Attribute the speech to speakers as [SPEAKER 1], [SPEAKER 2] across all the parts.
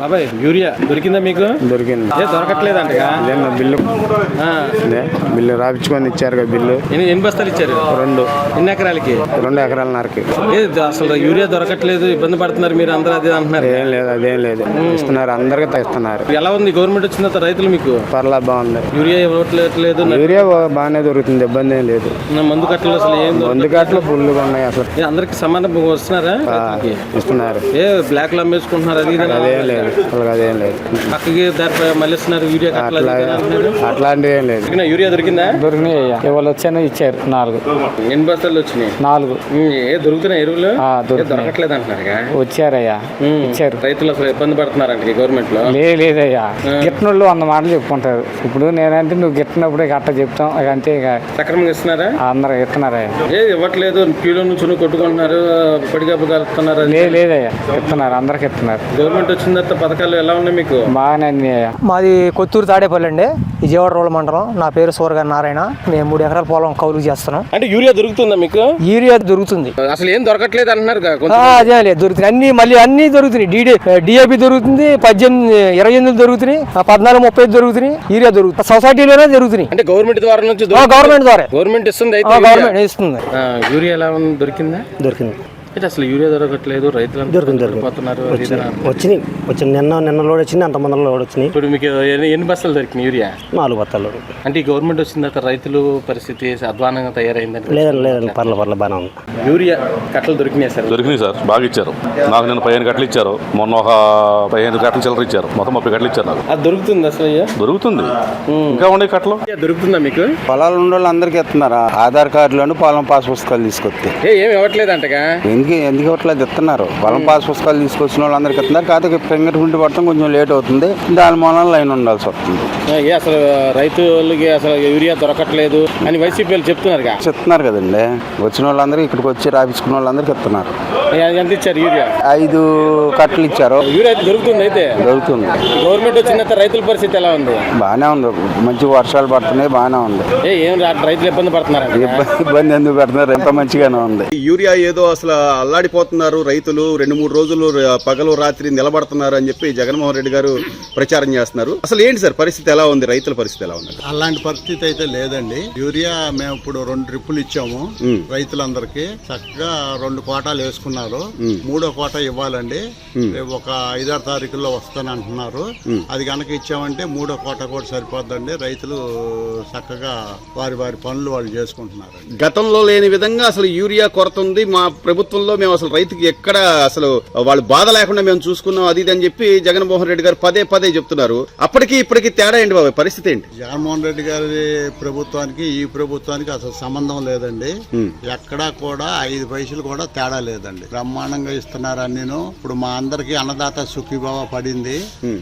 [SPEAKER 1] బాబాయ్ యూరియా దొరికిందా మీకు?
[SPEAKER 2] దొరికింది.
[SPEAKER 1] దొరకట్లేదంటగా
[SPEAKER 2] బిల్లు బిల్లు రాపించుకొని ఇచ్చారు కదా బిల్లు.
[SPEAKER 1] ఎన్ని బస్తాలు ఇచ్చారు?
[SPEAKER 2] 2.
[SPEAKER 1] ఎన్ని ఎకరాలకి?
[SPEAKER 2] 2 ఎకరాలన్నరకి.
[SPEAKER 1] అసలు యూరియా దొరకట్లేదు, ఇబ్బంది పడుతున్నారు మీరు అందరూ అదే అంటున్నారు.
[SPEAKER 2] ఏం లేదు, అదేం లేదు, ఇస్తున్నారు, అందరికీ తెస్తున్నారు.
[SPEAKER 1] ఎలా ఉంది గవర్నమెంట్ వచ్చిన తర్వాత రైతులు మీకు?
[SPEAKER 2] పర్లా బాగుంది.
[SPEAKER 1] యూరియా ఇవ్వట్లేదు.
[SPEAKER 2] యూరియా బాగానే దొరుకుతుంది, ఇబ్బంది ఏం లేదు.
[SPEAKER 1] మందు కట్టలు అసలు ఏం?
[SPEAKER 2] మందు కట్టలు ఫుల్గా ఉన్నాయి. అసలు
[SPEAKER 1] అందరికి సమానం వస్తున్నారా?
[SPEAKER 2] ఇస్తున్నారు.
[SPEAKER 1] బ్లాక్ లో అమ్మేసుకుంటున్నారు.
[SPEAKER 2] అదేం లేదు, అదేం లేదు.
[SPEAKER 1] పక్కకి దారి మళ్ళీ ఇస్తున్నారు యూరియా.
[SPEAKER 2] అట్లాంటివి ఏం లేదు.
[SPEAKER 1] యూరియా దొరికిందా?
[SPEAKER 3] దొరికినాయి. ఇవాళ వచ్చాను, ఇచ్చారు 4.
[SPEAKER 1] ఎన్ని బస్తాలు వచ్చినాయి?
[SPEAKER 3] 4.
[SPEAKER 1] దొరుకుతున్నాయి ఎరువులు?
[SPEAKER 3] దొరకట్లేదు
[SPEAKER 1] అంటున్నారు.
[SPEAKER 3] వచ్చారయ్యా, ఇచ్చారు.
[SPEAKER 1] రైతులు అసలు ఇబ్బంది పడుతున్నారంట గవర్నమెంట్ లో.
[SPEAKER 3] లేదయ్యా, గిట్టనోళ్ళు 100 మాటలు చెప్పుకుంటారు. ఇప్పుడు నేనంటే నువ్వు గిట్టినప్పుడు అట్ట చెప్తాం, అంతే.
[SPEAKER 1] సక్రమంగా ఇస్తున్నారా?
[SPEAKER 3] అందరూ ఇస్తున్నారయ్యా.
[SPEAKER 1] ఇవ్వట్లేదు, క్యూలో నుంచి కొట్టుకుంటున్నారు, పడిగాపు కలుపుతున్నారు.
[SPEAKER 3] లేదయ్యా, ఇస్తున్నారు, అందరికి ఇస్తున్నారు.
[SPEAKER 1] గవర్నమెంట్ వచ్చిన తర్వాత పథకాలు ఎలా ఉన్నాయి మీకు?
[SPEAKER 3] బాగానే అయ్యా.
[SPEAKER 4] మాది కొత్తూరు తాడేపల్లి అండి, విజయవాడ రోడ్ల మండలం. నా పేరు సూరగారి నారాయణ. మేము 3 ఎకరాల పొలం కౌలు చేస్తున్నాం.
[SPEAKER 1] అంటే యూరియా దొరుకుతుందా మీకు?
[SPEAKER 4] యూరియా దొరుకుతుంది.
[SPEAKER 1] అసలు ఏం దొరకట్లేదు అంటున్నారు.
[SPEAKER 4] అదే లేదు, దొరుకుతుంది. అన్ని దొరుకుతున్నాయి. డిఏపి దొరుకుతుంది, 18, 28 దొరుకుతున్నాయి, 14, 30 దొరుకుతున్నాయి. యూరియా దొరుకుతుంది, సొసైటీలోనే దొరుకుతున్నాయి.
[SPEAKER 1] అంటే గవర్నమెంట్ ద్వారా నుంచి?
[SPEAKER 4] గవర్నమెంట్ ద్వారా.
[SPEAKER 1] గవర్నమెంట్ ఇస్తుంది.
[SPEAKER 4] గవర్నమెంట్ ఇస్తుంది.
[SPEAKER 1] యూరియా ఎలా ఉంది? దొరికిందా?
[SPEAKER 5] దొరికింది.
[SPEAKER 1] అసలు యూరియా దొరకట్లేదు, రైతులు
[SPEAKER 5] దొరికింది. వచ్చినాయి. నిన్న లోడ్ వచ్చింది, అంత మంది లోడ్ వచ్చినాయి.
[SPEAKER 1] ఇప్పుడు మీకు ఎన్ని బస్తాలు దొరికినాయి యూరియా?
[SPEAKER 5] 4 బస్తాలు.
[SPEAKER 1] అంటే ఈ గవర్నమెంట్ వచ్చిన తర్వాత రైతులు పరిస్థితి అధ్వానంగా తయారైందండి.
[SPEAKER 5] లేదండి, పర్ల బాగానే ఉంది.
[SPEAKER 1] యూరియా కట్టలు దొరికినాయి సార్?
[SPEAKER 6] దొరికినాయి సార్, బాగా ఇచ్చారు. నాకు నిన్న 15 కట్టలు ఇచ్చారు, మొన్న ఒక 15 కట్టలు చిల్లర ఇచ్చారు, మొత్తం 30 కట్టలు ఇచ్చారు నాకు.
[SPEAKER 1] అది దొరుకుతుంది అసలు?
[SPEAKER 6] దొరుకుతుంది. ఇంకా ఉండే కట్టలు
[SPEAKER 1] దొరుకుతుందా మీకు?
[SPEAKER 2] పొలాలు ఉన్న వాళ్ళు అందరికి ఇస్తున్నారు. ఆధార్ కార్డులను పొలం పాస్ పుస్తకాలు తీసుకొస్తే
[SPEAKER 1] ఏమి ఇవ్వట్లేదు అంటగా?
[SPEAKER 2] ఎందుకు ఇవ్వట్లేదు? ఇస్తున్నారు. పొలం పాస్ పుస్తకాలు తీసుకొచ్చిన వాళ్ళందరికి ఇస్తున్నారు. కాకపోతే ఫింగర్ ప్రింట్ పడటం కొంచెం లేట్ అవుతుంది, దాని మూలన లైన్ ఉండాల్సి వస్తుంది.
[SPEAKER 1] అసలు రైతులకి అసలు యూరియా దొరకట్లేదు అని వైసీపీ చెప్తున్నారు
[SPEAKER 2] కదండి. వచ్చిన వాళ్ళందరికీ ఇక్కడికి వచ్చి రాపించుకున్న వాళ్ళందరికీ ఇస్తున్నారు.
[SPEAKER 1] ఎంత ఇచ్చారు యూరియా?
[SPEAKER 2] 5 కట్టలు ఇచ్చారు.
[SPEAKER 1] యూరియా దొరుకుతుంది. అయితే
[SPEAKER 2] దొరుకుతుంది.
[SPEAKER 1] గవర్నమెంట్ వచ్చిన రైతుల పరిస్థితి ఎలా ఉంది?
[SPEAKER 2] బాగానే ఉంది, మంచి వర్షాలు పడుతున్నాయి, బాగానే ఉంది.
[SPEAKER 1] ఏం రైతులు ఇబ్బంది పడుతున్నారు?
[SPEAKER 2] ఇబ్బంది ఎందుకు పెడుతున్నారు? ఎంత మంచిగానే ఉంది.
[SPEAKER 7] యూరియా ఏదో అసలు అల్లాడిపోతున్నారు రైతులు, 2-3 రోజులు పగలు రాత్రి నిలబడుతున్నారు అని చెప్పి జగన్మోహన్ రెడ్డి గారు ప్రచారం చేస్తున్నారు. అసలు ఏంటి సార్ పరిస్థితి ఎలా ఉంది? రైతుల పరిస్థితి ఎలా ఉంది?
[SPEAKER 8] అలాంటి పరిస్థితి అయితే లేదండి. యూరియా మేము ఇప్పుడు 2 ట్రిప్పులు ఇచ్చాము రైతులందరికీ. చక్కగా 2 కోటాలు వేసుకున్నారు. 3వ కోట ఇవ్వాలండి. ఒక 5-6 తారీఖుల్లో వస్తానంటున్నారు. అది కనుక ఇచ్చామంటే 3వ కోట కూడా సరిపోద్దండి. రైతులు చక్కగా వారి పనులు వాళ్ళు చేసుకుంటున్నారు.
[SPEAKER 7] గతంలో లేని విధంగా అసలు యూరియా కొరత ఉంది. మా ప్రభుత్వంలో మేము అసలు రైతుకి ఎక్కడ అసలు వాళ్ళు బాధ లేకుండా మేము చూసుకున్నాం, అది అని చెప్పి జగన్మోహన్ రెడ్డి గారు పదే చెప్తున్నారు. అప్పటికి ఇప్పటికి తేడా ఏంటి బాబాయ్? పరిస్థితి ఏంటి?
[SPEAKER 8] జగన్మోహన్ రెడ్డి గారి ప్రభుత్వానికి ఈ ప్రభుత్వానికి అసలు సంబంధం లేదండి. ఎక్కడా కూడా 5 పైసలు కూడా తేడా లేదండి. బ్రహ్మాండంగా ఇస్తున్నారు అన్నీను. ఇప్పుడు మా అందరికి అన్నదాత సుఖీభావ పడింది.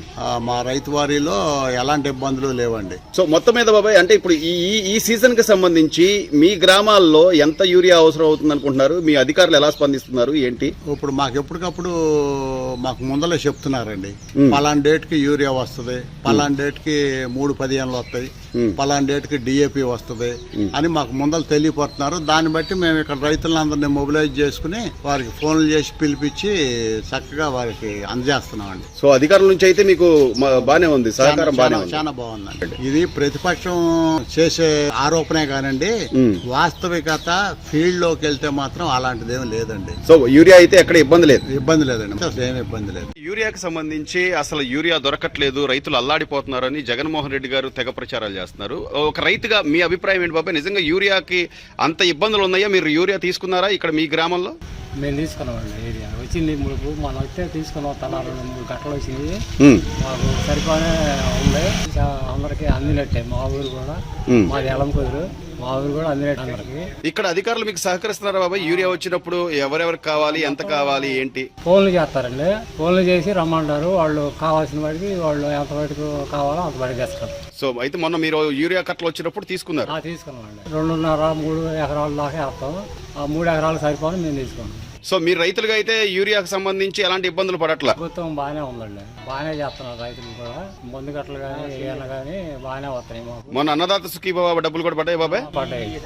[SPEAKER 8] మా రైతు వారిలో ఎలాంటి ఇబ్బందులు లేవండి.
[SPEAKER 7] సో మొత్తం మీద బాబాయ్, అంటే ఇప్పుడు ఈ సీజన్ కి సంబంధించి మీ గ్రామాల్లో ఎంత యూరియా అవసరం అవుతుంది అనుకుంటున్నారు? మీ అధికారులు ఎలా స్పందిస్తున్నారు ఏంటి?
[SPEAKER 8] ఇప్పుడు మాకు ఎప్పటికప్పుడు మాకు ముందలే చెప్తున్నారండి. పలానా డేట్ కి యూరియా వస్తుంది, పలానా డేట్ కి 3-15 వస్తాయి, పలానా డేట్ కి డిఏపి వస్తుంది అని మాకు ముందలు తెలియపడుతున్నారు. దాన్ని బట్టి మేము ఇక్కడ రైతులందరినీ మొబిలైజ్ చేసుకుని వారికి ఫోన్లు చేసి పిలిపించి చక్కగా వారికి అందజేస్తున్నామండి.
[SPEAKER 7] సో అధికారుల నుంచి అయితే మీకు బానే ఉంది, సహకారం
[SPEAKER 8] చాలా బాగుందండి. ఇది ప్రతిపక్షం చేసే ఆరోపణే కానండి, వాస్తవికత ఫీల్డ్ లోకి వెళ్తే మాత్రం అలాంటిది ఏమి లేదండి.
[SPEAKER 7] సో యూరియా అయితే ఎక్కడ ఇబ్బంది లేదండి.
[SPEAKER 8] అసలు ఏమి ఇబ్బంది లేదు.
[SPEAKER 7] యూరియాకి సంబంధించి అసలు యూరియా దొరకట్లేదు, రైతులు అల్లాడిపోతున్నారని జగన్మోహన్ రెడ్డి గారు తెగ ప్రచారాలు చేస్తున్నారు. ఒక రైతుగా మీ అభిప్రాయం ఏంటి బాబాయ్? నిజంగా యూరియాకి అంత ఇబ్బందులు ఉన్నాయా? మీరు యూరియా తీసుకున్నారా ఇక్కడ మీ గ్రామంలో?
[SPEAKER 3] మేము తీసుకున్నామండి. ఏరియా వచ్చింది, మనం వస్తే తీసుకున్నాం. తలా 2-3 గంటలు వచ్చింది, మాకు సరిపోనే ఉంది. అందరికి అందినట్టే. మా ఊరు కూడా, మాది ఎలంకూరు, మా ఊరు కూడా అందినట్టు అందరికి.
[SPEAKER 7] ఇక్కడ అధికారులు మీకు సహకరిస్తున్నారా బాబాయ్? యూరియా వచ్చినప్పుడు ఎవరెవరికి కావాలి, ఎంత కావాలి, ఏంటి?
[SPEAKER 3] ఫోన్లు చేస్తారండి. ఫోన్లు చేసి రమ్మంటారు. వాళ్ళు కావాల్సిన వాడికి వాళ్ళు ఎంత వాటికి కావాలో అంత వాడికి తెస్తారు.
[SPEAKER 7] సో అయితే మొన్న మీరు యూరియా కట్టలు వచ్చినప్పుడు తీసుకున్నారు?
[SPEAKER 3] తీసుకున్నామండి. 2.5-3 ఎకరాల దాకా వేస్తాం. ఆ 3 ఎకరాలు సరిపోని మేము తీసుకున్నాం.
[SPEAKER 7] సో మీరు రైతులుగా అయితే యూరియాకు సంబంధించి ఎలాంటి ఇబ్బందులు పడట్లా?
[SPEAKER 3] ప్రభుత్వం బాగానే ఉందండి, బాగానే చేస్తున్నారు. రైతులు కూడా మందు కట్టలు కానీ ఏమైనా కానీ బాగానే వస్తాయి మాకు.
[SPEAKER 7] మొన్న అన్నదాత సుఖీభావ డబ్బులు కూడా పడ్డాయి బాబాయ్?
[SPEAKER 3] పడ్డాయి.